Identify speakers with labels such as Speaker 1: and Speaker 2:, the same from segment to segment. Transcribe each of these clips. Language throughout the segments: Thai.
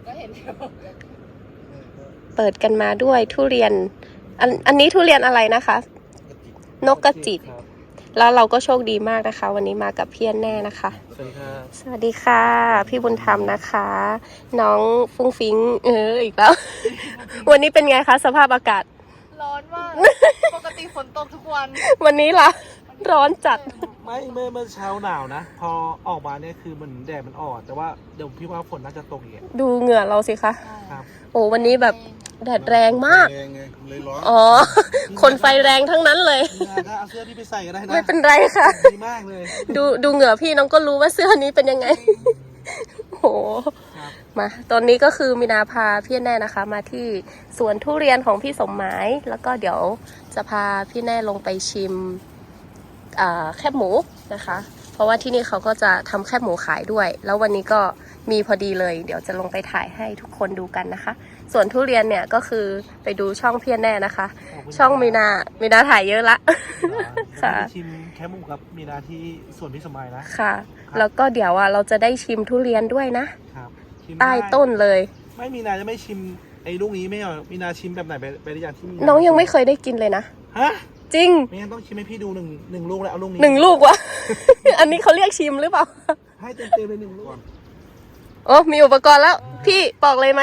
Speaker 1: ก็เห็นอยู่
Speaker 2: เปิดกันมาด้วยทุเรียนอันนี้ทุเรียนอะไรนะคะนกกระจิบแล้วเราก็โชคดีมากนะคะวันนี้มากับพี่แน่นะคะ
Speaker 3: สวัสดีครับ
Speaker 2: สวัสดีค่ะพี่บุญธรรมนะคะ น้องฟุ้งฟิ้งอีกแล้ว วันนี้เป็นไงคะสภาพอากาศ
Speaker 1: ร้อนมากปกติฝนตกทุกวัน
Speaker 2: วันนี้ล่ะร้อนจัด
Speaker 3: ไม่เมื่อเช้าหนาวนะพอออกมาเนี่ยคือมันแดดมันอ่อนแต่ว่าเดี๋ยวพี่ว่าฝนน่าจะตกอีก
Speaker 2: ดูเหงื่อเราสิคะ
Speaker 3: ครับ
Speaker 2: โอ้วันนี้แบบแดดแรงมาก
Speaker 4: เลยร้อน
Speaker 2: อ๋อคนไฟแรงทั้งนั้นเลย
Speaker 3: เอาเสื้อพี่ไปใส่ก็ได้นะ
Speaker 2: ไม่เป็นไรค่ะ
Speaker 3: ดีมากเลย
Speaker 2: ดูเหงื่อพี่น้องก็รู้ว่าเสื้อนี้เป็นยังไงโหมาตอนนี้ก็คือมีนาพาพี่แน่นะคะมาที่สวนทุเรียนของพี่สมหมายแล้วก็เดี๋ยวจะพาพี่แน่ลงไปชิมแคบหมูนะคะเพราะว่าที่นี่เขาก็จะทำแคบหมูขายด้วยแล้ววันนี้ก็มีพอดีเลยเดี๋ยวจะลงไปถ่ายให้ทุกคนดูกันนะคะส่วนทุเรียนเนี่ยก็คือไปดูช่องพี่แน่นะคะช่องมีนาถ่ายเยอะละ
Speaker 3: ค่ะชิมแคบหมูกับมีนาที่สวนพี่สมัยนะ
Speaker 2: ค่ะแล้วก็เดี๋ยวเราจะได้ชิมทุเรียนด้วยนะครับใต้ต้นเลย
Speaker 3: ไม่มีนาจะไม่ชิมไอ้ลูกนี้ไม่เหรอมีนาชิมแบบไหนไปหรือยังที่มี
Speaker 2: น้องยังไม่เคยได้กินเลยนะ
Speaker 3: ฮะ
Speaker 2: จริง
Speaker 3: ไม่งั้นต้องชิมให้พี่ดูหนึ่งลูกแล้วเอาลูกนี้
Speaker 2: 1 ลูกวะ อันนี้เขาเรียกชิมหรือเปล่า
Speaker 3: ให้เต็มเลย1 ลูก
Speaker 2: โอ้มีอุปกรณ์แล้วพี่ปอกเลยไหม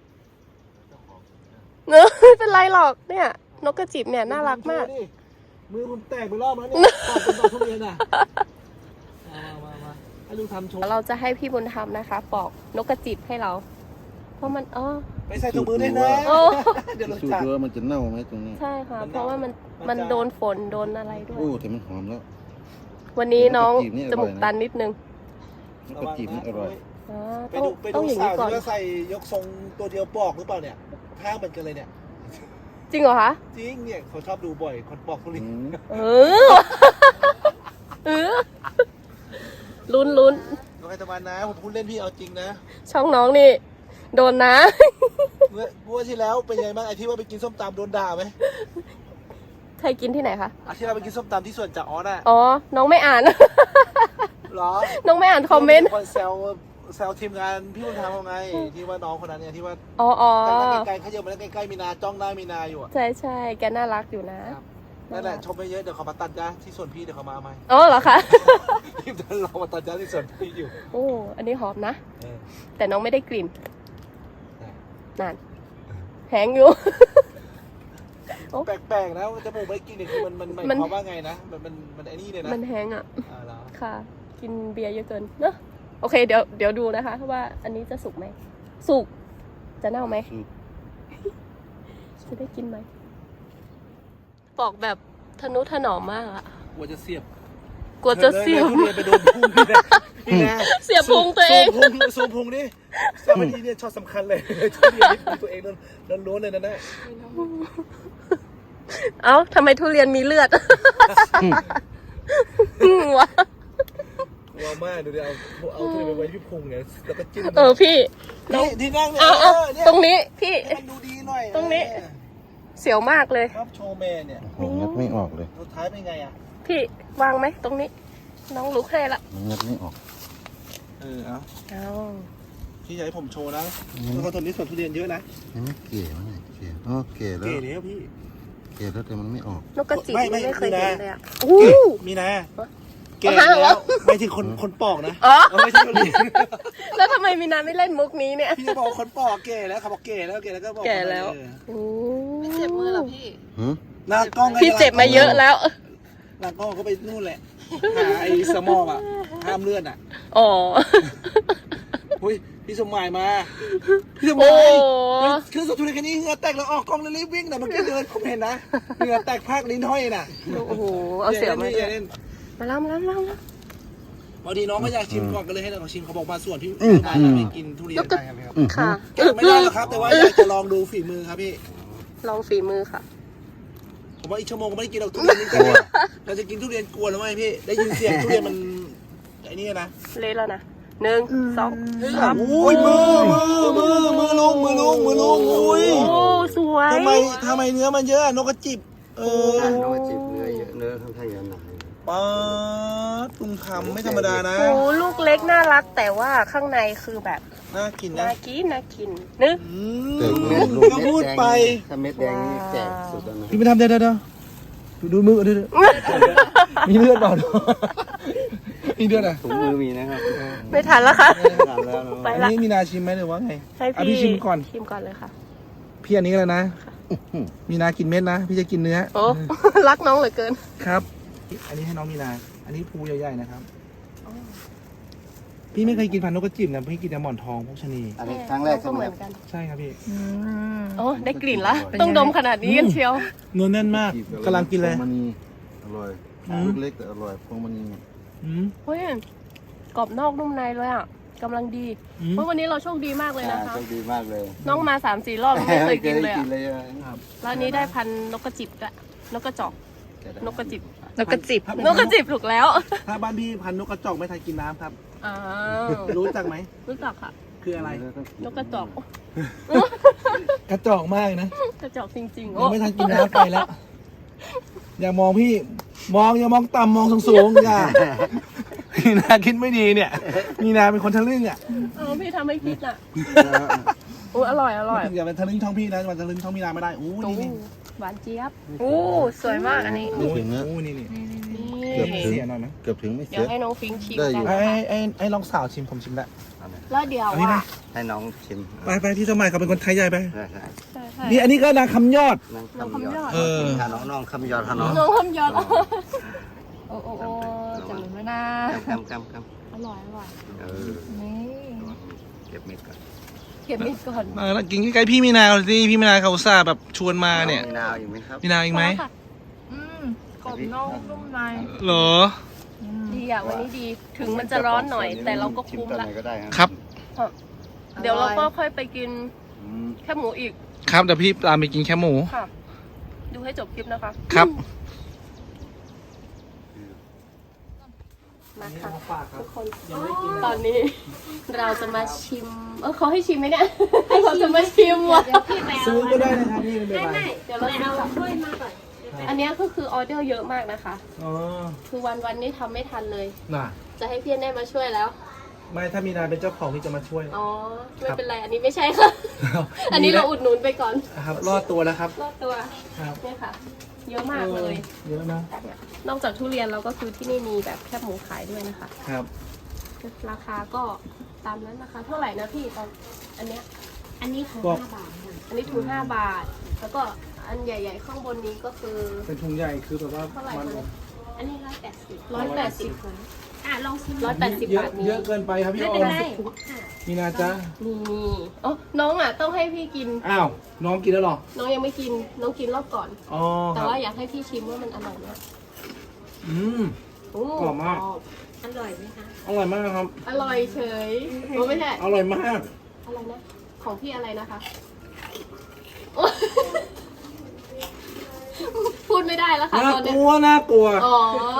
Speaker 2: เนอะไม่เป็นไรหรอกเนี่ยนกกระจิบเนี่ยน่ารักมาก
Speaker 3: มือผมแตกไปรอบแล้วเนี่ยปอกเป็นดอกทุเรียนอ่ะมาให้ลูกทำโชว์
Speaker 2: เราจะให้พี่บุญธรรมนะคะปอกนกกระจิบให้เราเพราะมัน
Speaker 3: ไปใส่ถุงมือได้นะ
Speaker 4: เดี๋ยวเราจะดูว่ามันจะเน่าไหมตรงนี้
Speaker 2: ใช่ค่ะเพราะว่ามันโดนฝนโดนอะไรด้วย
Speaker 4: โอ้แต่มันหอมแล้ว
Speaker 2: วันนี้น้องจมูกตันนิดนึง
Speaker 4: นกกระจิบนี่อร่อย
Speaker 3: ไปดูสาวที่ว่าใส่ยกทรงตัวเดียวปอกหรือเปล่าเนี่ยท่าเหมือนกันเลยเนี่ย
Speaker 2: จริงเหรอคะ
Speaker 3: จริงเนี่ยเขาชอบดูบ่อยคนปอกทุเรียน
Speaker 2: ลุ้น
Speaker 3: น้องไอตะวันนะผมพูดเล่นพี่เอาจริงนะ
Speaker 2: ช่องน้องนี่โดนนะ
Speaker 3: เมื่อที่แล้วเป็นไงบ้างไอที่ว่าไปกินส้มตำโดนด่าไหม
Speaker 2: ใครกินที่ไหนคะ
Speaker 3: ที่เราไปกินส้มตำที่สวนจ่าออสอ่ะ
Speaker 2: อ๋อน้องไม่อ่าน
Speaker 3: หรอ
Speaker 2: น้องไม่อ่านคอมเมนต์
Speaker 3: แซวทีมงานพี่บุญธรรมไงที่ว่าน้องคนนั้นเนี่ยที่ว่าไกลๆเขาเยอะมาแล้วใกล้ๆมีนาจ้องได้มีนาอยู่อ่ะ
Speaker 2: ใช่แกน่ารักอยู่นะ
Speaker 3: นั่นแหละชมไปเยอะเดี๋ยวเขามาตัดจ้าที่สวนพี่เดี๋ยวเขามาไหม
Speaker 2: อ๋อเหรอคะ
Speaker 3: ทีมงานเรามาตัดจ้าที่สวนพี่อยู่
Speaker 2: โอ้อันนี้หอมนะแต่น้องไม่ได้กลิ่นนั่นแหงอยู่
Speaker 3: แปลกๆนะจมูกไม่กินเนี่ยคือมันหมายความว่าไงนะมันไอ้นี่เลยนะ
Speaker 2: มันแหงอ่ะค่ะกินเบียร์เยอะเกินเนอะโอเคเดี๋ยวดูนะคะว่าอันนี้จะสุกไหมสุกจะเน่าไหมจะได้กินไหมปอกแบบทนุถนอมมากอะ
Speaker 3: กลัวจะเสียบไปโดนพุงนี่นะ
Speaker 2: เสียบพุงตัวเอง
Speaker 3: ซูมพุงนี่สามีเนี่ยชอบสำคัญเลยทุเรียนนี่ตัวเองล้วนเลยนะ
Speaker 2: เอ้าทำไมทุเรียนมีเลือดวะ
Speaker 3: ว้าวมากดูดิเอาทุเรียนไปไว้ที่พุงเนี่ยแล้วก็จิ้ม
Speaker 2: พี่
Speaker 3: ที่นั่งเนี่ย
Speaker 2: ตรงนี้พี่
Speaker 3: มันดูดีหน่อย
Speaker 2: ตรงนี้เสียวมากเลย
Speaker 3: ครับโชว์แมนเนี่ย
Speaker 4: งัดไม่ออกเลย
Speaker 3: สุดท้ายเป็นไงอ่ะ
Speaker 2: พี่วางไหมตรงนี้น้องลุกให้ละ
Speaker 4: งัดไม่ออก
Speaker 3: เอาพี่อยากให้ผมโชว์นะแล้วก็ตอนนี้สวนทุเรียนเยอะนะ
Speaker 4: เก๋มากเก๋แล้ว
Speaker 3: เก๋แล้วพี่
Speaker 4: เก๋แล้วแต่มันไม่ออก
Speaker 2: นกกระจิบไม่เคยเห็นเลยอ่ะ
Speaker 3: มีนะเก๋แล้วไม่ถึงคนปอกนะไม่ใช่ทุเรียน
Speaker 2: แล้วทำไมมีนาไม่เล่นมุกนี้เนี่ย
Speaker 3: พี่จะบอกคนปอกเก๋แล้วเขาบอกเก๋แล้วก็บอก
Speaker 2: แก่แล้ว
Speaker 1: ไม่เจ็บมือหรอพี่
Speaker 3: หน้ากล้อง
Speaker 2: พี่เจ็บมาเยอะแล้ว
Speaker 3: หน้ากล้องก็ไปนู่นแหละหาไอ้สมองอ่ะห้ามเลือดอ่ะ
Speaker 2: อ๋อ
Speaker 3: อุ้ยพี่สมหมายมาพี่สมหมายคือสุดทุเรศแค่นี้เหงื่อแตกแล้วออกกล้องเลยรีบวิ่งนะเมื่อกี้เดินผมเห็นนะเหงื่อแตกภาคลิ้นห้อยน่ะ
Speaker 2: โอ้โหเอาเสียมามาล้ำ
Speaker 3: บางทีน้องก็อยากชิมก่อนก็เลยให้เราชิมเขาบอกมาส่วนพี่ไปกินทุเรียนได้ครับ
Speaker 2: ค่ะ
Speaker 3: ไม่ได้หรอกครับแต่ว่าอยากจะลองดูฝีมือครับพี่
Speaker 2: ลองฝีมือค่ะ
Speaker 3: ผมว่าอีกชั่วโมงก็ไม่ได้กินเราทุเรียนนี่กันเราจะกินทุเรียนกลัวหรือไม่พี่ได้ยินเสียงทุเรียนมันไอ้นี่นะ
Speaker 2: เละแล้วนะ1 2 3
Speaker 3: อุ้ยมือลงอุ้ย
Speaker 2: โอ้สวย
Speaker 3: ทำไมเนื้อมันเยอะนกกระจิบ
Speaker 4: นกกระจิบเนื้อเยอะเนื้อค่อนข้างเยอะหนา
Speaker 3: ป๊าดตุงคำไม่ธรรมดานะ
Speaker 2: โอ้ลูกเล็กน่ารักแต่ว่าข้างในคือแบบ
Speaker 3: น่ากินนะ
Speaker 2: น่ากินน่ากินนึก
Speaker 4: แต่
Speaker 3: ก็พูดไป
Speaker 4: ถ้าเม็ดแดงนี่แก่สุดแล้วนะ
Speaker 3: พี่ไม่ทำเดี๋ยวดูมือดูมีเลือดเปล่ามีเลือดอ่ะ
Speaker 4: ถุงมือมีนะครับ
Speaker 2: ไม่ทันแล้วค่ะ
Speaker 4: ทานแล้วเนอะ
Speaker 2: ไป
Speaker 3: อัน
Speaker 2: ละ
Speaker 3: นี้มีนาชิมไหมหรือว่าไง
Speaker 2: ให้
Speaker 3: อ่ะ
Speaker 2: พี่
Speaker 3: พี่ชิมก่อน
Speaker 2: ชิมก่อนเลยค่ะ
Speaker 3: พี่อันนี้ก็แล้วนะ มีนากินเม็ดนะ พี่จะกินเนื้อ
Speaker 2: โอ้ รักน้องเหลือเกิน
Speaker 3: ครับ อันนี้ให้น้องมีนา อันนี้ภูใหญ่ๆนะครับ พี่ไม่เคยกินพันธุ์นกกระจิบนะพี่กินแต่หมอนทองพวกชะนี
Speaker 4: อันนี้ครั้งแรกใช่ไหม
Speaker 2: เหมื
Speaker 4: ค
Speaker 2: อ
Speaker 4: รับ
Speaker 2: นกัน
Speaker 3: ใช่ครับพี่
Speaker 2: โอ้ได้กลิ่นละต้องดมขนาดนี้กันเชียว
Speaker 3: เนื้อแน่นมากกำลังกินเลย
Speaker 4: พวงมณีอร่อย
Speaker 3: อืม
Speaker 4: ลูกเล็กแต่อร่อยพวงมณี
Speaker 3: อืม
Speaker 2: เฮ้ยกรอบนอกนุ่มในเลยอ่ะกำลังดี
Speaker 3: อืม
Speaker 2: เพราะวันนี้เราโชคดีมากเลยนะคะ
Speaker 4: โชคดีมากเลย
Speaker 2: น้องมา 3-4 รอบไม่เคยกินเลย
Speaker 4: กิ
Speaker 2: อ่ะ
Speaker 4: นเลยอะ
Speaker 2: แล้วอันนี้ได้พันธุ์นกกระจิบด้วยนกกระจอก นกกระจิบ
Speaker 1: นกกระจิบ
Speaker 3: ถ้าเป็น
Speaker 2: นกกระจิบถูกแล้ว
Speaker 3: ถ้าบ้านพี่พันธุ์นกกระจอกไม่ทันกินน้ำครับ
Speaker 2: อ้าว
Speaker 3: รู้จักไหม
Speaker 2: รู้จักค่ะ
Speaker 3: คืออะไร
Speaker 2: นกกระจอก
Speaker 3: กระจอกมากนะ
Speaker 2: กระจอกจริงๆ
Speaker 3: ยั
Speaker 2: โอ้
Speaker 3: งไม่ทันกินน้ำไปแล้ว อย่ามองพี่ อย่ามองต่ำมองสูงๆอย่ามีนาคิดไม่ดีเนี่ย มีนาเป็นคนทะลึ่งอ่ะ
Speaker 2: พี่ทำให้คิดอ่ะโอ้อร่อยอร่อย
Speaker 3: อย่าเป็นทะลึ่งช่องพี่นะมันทะลึ่งช่องมีนาไม่ได้อู้
Speaker 2: โอ้
Speaker 3: นี่
Speaker 2: หวานเจี๊ยบโอ้สวยมากอันนี้
Speaker 4: ไม่ถึงนะ
Speaker 3: อู้นี่
Speaker 2: นี่
Speaker 4: เกือบถึง
Speaker 3: เสียหน่อยไหม
Speaker 4: เกือบถึงไม่
Speaker 2: เดี๋
Speaker 4: เสี
Speaker 2: ยวย ให้น้องฟิงชิม
Speaker 4: ได้อยู่
Speaker 2: กัน
Speaker 3: ไอ้ลองสาวชิมผมชิมแล้ว
Speaker 2: แล้วเดี๋ยว
Speaker 3: อันนี้ไหม
Speaker 2: อ่ะ
Speaker 4: ให้น้องชิม
Speaker 3: ไปพี่สมัยเขาเป็นคนไทยใหญ่ไป
Speaker 4: ใช่ใช่
Speaker 2: ใช่ใช่
Speaker 3: นี่อันนี้ก็นางคำยอด
Speaker 4: น้องคำยอด
Speaker 3: เออ
Speaker 4: ถ้าน้องคำยอดถ้าน้อง
Speaker 2: น้องคำยอด
Speaker 1: โอ้โอ้โอ้จังเลยนะ
Speaker 4: คำ
Speaker 2: อร่อยอร่อย
Speaker 4: เออ
Speaker 1: นี่
Speaker 4: เก็บเม็ดก่อน
Speaker 2: เก็บมิดก่อน
Speaker 3: แล้วกินใกล้ๆพี่มีนาสิพี่มีนาเขาอุตส่าห์แบบชวนมาเนี่ย
Speaker 4: มีนาวอีกไหมครับ
Speaker 3: มีนาอีกไหม
Speaker 2: ค่ะ
Speaker 1: กรอบนอกนุ่มใน
Speaker 3: เหรอ
Speaker 2: ดีอ่ะวันนี้ดีถึงมันจะร้อนหน่อย แต่เราก็
Speaker 4: ชิม
Speaker 2: คุ้ม
Speaker 4: ตอน
Speaker 2: ละ
Speaker 4: ไหนก็ได้
Speaker 3: ครับ
Speaker 2: เดี๋ยวเราก็ค่อยไปกิน
Speaker 4: อืม
Speaker 2: แค่หมูอีก
Speaker 3: ครับเดี๋ยวพี่ตามไปกินแค่หมู
Speaker 2: ค่ะ ดูให้จบคลิปนะคะ
Speaker 3: ครับ
Speaker 2: มาค่ะทุกคนตอนนี้เราจะมาชิมเขาให้ชิมไหมเนี่ยเราจะมาชิมว่ะ
Speaker 3: ซื้อก็ได้นะครับพี่ไม่เป็นไร
Speaker 2: เดี๋ยวเราเอาถ้วยมาก่อนอันนี้ก็คือออเดอร์เยอะมากนะคะ
Speaker 3: อ๋อ
Speaker 2: คือวันนี้ทำไม่ทันเลย
Speaker 3: น่ะ
Speaker 2: จะให้พี่แน่มาช่วยแล้ว
Speaker 3: ไม่ถ้ามีนาเป็นเจ้าของพี่จะมาช่วย
Speaker 2: อ๋อไม่เป็นไรอันนี้ไม่ใช่ค่ะ อันนี้เราอุดหนุนไปก่อน
Speaker 3: ครับรอดตัวแล้วครับ
Speaker 2: รอบตัว
Speaker 3: ครับ
Speaker 2: เนี่ยค่ะ เยอะมากเลย
Speaker 3: เยอะนะ
Speaker 2: นอกจากทุเรียนเราก็คือที่นี่มีแบบแคบหมูขายด้วยนะคะ
Speaker 3: ครับ
Speaker 2: ราคาก็ตามนั้นนะคะ เท่าไหร่นะพี่ตอนอันเนี้ย
Speaker 5: อันนี้ถุง
Speaker 3: บอก
Speaker 5: 5 บาทค่ะ
Speaker 2: อันนี้ถุง5 บาท แล้วก็อันใหญ่ๆข้างบนนี้ก็คือ
Speaker 3: เป็นถุงใหญ่คือแบบว่า
Speaker 2: เท่าไหร่
Speaker 3: มัน
Speaker 2: คะ
Speaker 5: อันนี้180
Speaker 2: 180
Speaker 5: ค่ะอ่ะลองชิม
Speaker 2: 180
Speaker 3: เยอะ
Speaker 2: บาทนี้
Speaker 3: เยอะเกินไปครับพี่
Speaker 5: ไม่
Speaker 3: อ
Speaker 5: เป็น
Speaker 3: อม
Speaker 5: ไรค่ะ
Speaker 3: มีนาจ๊ะ
Speaker 2: นี่อ๋อน้องอ่ะต้องให้พี่กิน
Speaker 3: อ้าวน้องกินแล้วเหรอ
Speaker 2: น้องยังไม่กิน น้องกินรอบก่อน
Speaker 3: อ๋อค
Speaker 2: แต่
Speaker 3: รับ
Speaker 2: ว่าอยากให้พี่ชิมว่ามันอร่อยไหม
Speaker 3: อืม
Speaker 2: โอ้
Speaker 3: กรอบมาก
Speaker 5: อร่อยไหมคะ
Speaker 3: อร่อยมากครับ
Speaker 2: อร่อยเฉยโอ้ไม่ใช่
Speaker 3: อร่อยมาก
Speaker 2: อะไรนะ ของพี่อะไรนะคะ พูดไม่ได้แล้วค่ะ
Speaker 3: น่า
Speaker 2: ตอน
Speaker 3: ก
Speaker 2: เนี้ย
Speaker 3: ลัวน่ากลัว
Speaker 2: อ๋อ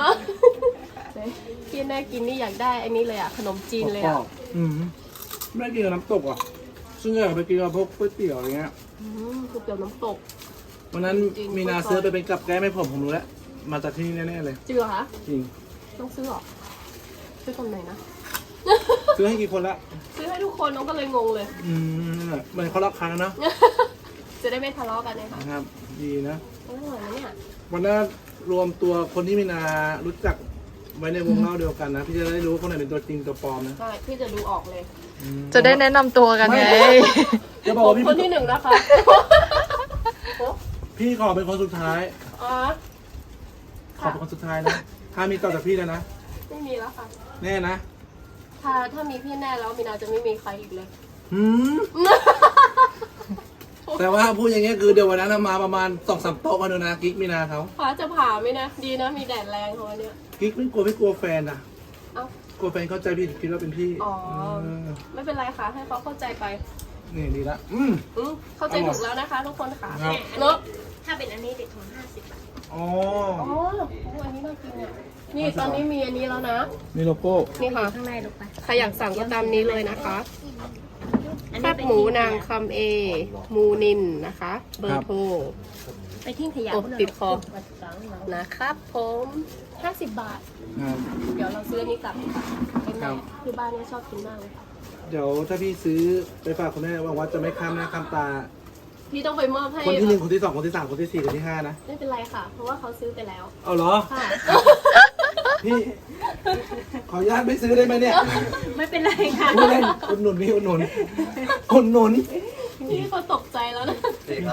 Speaker 2: พี่แน่กินนี่อยากได้อันนี้เลยอ่ะ ขนมจีนเลยอ่ะ
Speaker 3: อืมไม่ได้กินกับน้ำตกอ่ะซึ่งอยากไปกินกับพวกก๋วยเตี๋ยวอะไรเงี้ย
Speaker 2: ก๋วยเตี๋ยวน้ำตก
Speaker 3: วันนั้น
Speaker 2: จริง
Speaker 3: มีนาซื้อไปเป็นกับแก้มให้ผมรู้แล้ว มาจากที่นี่แน่ๆเลย
Speaker 2: จริงเหรอคะ
Speaker 3: จริง
Speaker 2: ต้องซื้อเหรอ ซื้อตรงไหนนะ
Speaker 3: ซื้อให้กี่คนละ
Speaker 2: ซื้อให้ทุกคนน้องก็เลยงงเลย
Speaker 3: อืมเหมือนเขารักครั้งนะ
Speaker 2: จะได้ไม่ทะเลาะกันเลยค่ะ
Speaker 3: นะครับ ดีนะ
Speaker 2: อร่อยนะเนี่ย
Speaker 3: วันนั้นรวมตัวคนที่มีนารู้จักไว้ในวงเล่าเดียวกันนะ พี่จะได้รู้ว่าคนไหนเป็นตัวจริงตัวปลอมนะ
Speaker 2: ใช่พี่จะดูออกเลย
Speaker 3: อืม
Speaker 1: จะได้แนะนำตัวกันไง
Speaker 3: จะบอก
Speaker 2: ผม
Speaker 3: ว่าพี่
Speaker 2: คนที่หนึ่งนะคะ
Speaker 3: พี่ขอเป็นคนสุดท้าย
Speaker 2: อ๋อ
Speaker 3: ขอเป็นคนสุดท้ายนะ ถ้ามีต่อจากพี่แล้วนะ
Speaker 2: ไม่มีแล้วค่ะ
Speaker 3: แน่นะ
Speaker 2: ถ้ามีพี่แน่แล้วมีนาจะไม่มีใครอีกเลย
Speaker 3: หืม แต่ว่าพูดอย่างเงี้ยคือเดี๋ยววันนั้นมาประมาณ2-3 โต๊ะกันดูนะกิ๊กมีนาเขา
Speaker 2: ฟ้าจะผ่าไหมนะ ดีนะมีแดดแรงของอันเนี้ย
Speaker 3: กิ๊กไม่กลัวแฟนอ่ะ
Speaker 2: เอ้า
Speaker 3: กลัวแฟนเข้าใจพี่คิดว่าเป็นพี่
Speaker 2: อ๋อ
Speaker 3: เออ
Speaker 2: ไม่เป็นไรค่ะ ให้เขาเข้าใจไป
Speaker 3: นี่ดีละ
Speaker 2: เข้าใจถูกแล้วนะคะ ทุกคนค่ะ
Speaker 3: ครับ
Speaker 2: เนาะ
Speaker 5: ถ้าเป็นอันนี้เด็กถุง50 บาท
Speaker 3: อ๋อ
Speaker 2: อ๋ออันนี้น่ากินอ่ะนี่ตอนนี้มีอันนี้แล้วนะ
Speaker 3: นี่โลโก้
Speaker 2: นี่ค่ะ
Speaker 5: ข้างในลูกไป
Speaker 2: ใครอยากสั่งก็ตามนี้เลยนะคะแคบหมูนางคำเอ มูนินนะคะ เบอร์โทร
Speaker 5: ไปทิ้งขยะ
Speaker 2: อบติดคอ นะครับผม50 บาท
Speaker 3: ครับ
Speaker 2: เดี๋ยวเราซื้ออันนี้กลับดีกว่าเป็น
Speaker 3: ครั
Speaker 2: ไง
Speaker 3: บ
Speaker 2: คือบ้านเนี้ยชอบกินมากเลยค่ะ
Speaker 3: เดี๋ยวถ้าพี่ซื้อไปฝากคุณแม่หวังว่าจะไม่ข้ามหน้าข้ามตา
Speaker 2: พี่ต้องไปมอบให้
Speaker 3: คนที่หนึ่งคนที่สองคนที่สามคนที่สี่คนที่ห้านะ
Speaker 2: ไม่เป็นไรค่ะ เพราะว่าเขาซื้อไปแล้ว
Speaker 3: เอาเหรอ
Speaker 2: ค่ะ
Speaker 3: พี่ ขออนุญาตไม่ซื้อได้ไหมเนี่ย
Speaker 5: ไม่เป็นไรค่ะ
Speaker 3: พูดเล่นอุดหนุนพี่อุดหนุนอุดหนุน
Speaker 2: พี่เขาตกใจแล้วนะ
Speaker 4: ดีครับ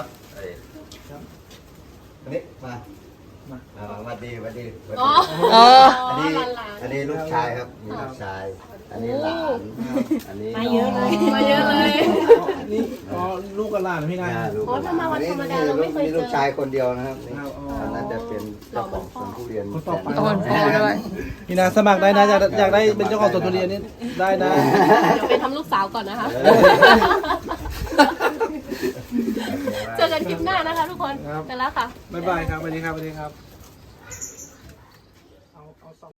Speaker 4: อันนี้มาสวัสดีสวัสดี
Speaker 2: อ๋อ
Speaker 1: อ๋อ
Speaker 4: อันนี้
Speaker 2: หลาน
Speaker 4: อันนี้ลูกชายครับมีลูกชาย อันนี้หลาน อันนี้
Speaker 5: มาเยอะเลย
Speaker 2: มาเยอะเลย
Speaker 3: นี่อ๋อลูกกับหลานนะพี่นะ
Speaker 4: ลูก
Speaker 2: โอ้ถ้ามาวันธรรมดาเราไม่เคยเจอ
Speaker 4: มีลูกชายคนเดียวนะครับนี่
Speaker 3: ครับอ๋อ
Speaker 4: อันนั้นจะเป็นเจ้าของสวนทุเรียน
Speaker 3: คนต่อไป
Speaker 1: โอนโอนด้วย
Speaker 3: พี่นาสมัครได้นะอยากได้เป็นเจ้าของสวนทุเรียนนี่ได้นะ
Speaker 2: เดี๋ยวไปทำลูกสาวก่อนนะคะ เจอกันคลิปหน้านะคะทุกคน
Speaker 3: ครับ
Speaker 2: ไปแล้วค่ะ
Speaker 3: บ๊ายบายครับสวัสดีครับสวัสดีครับ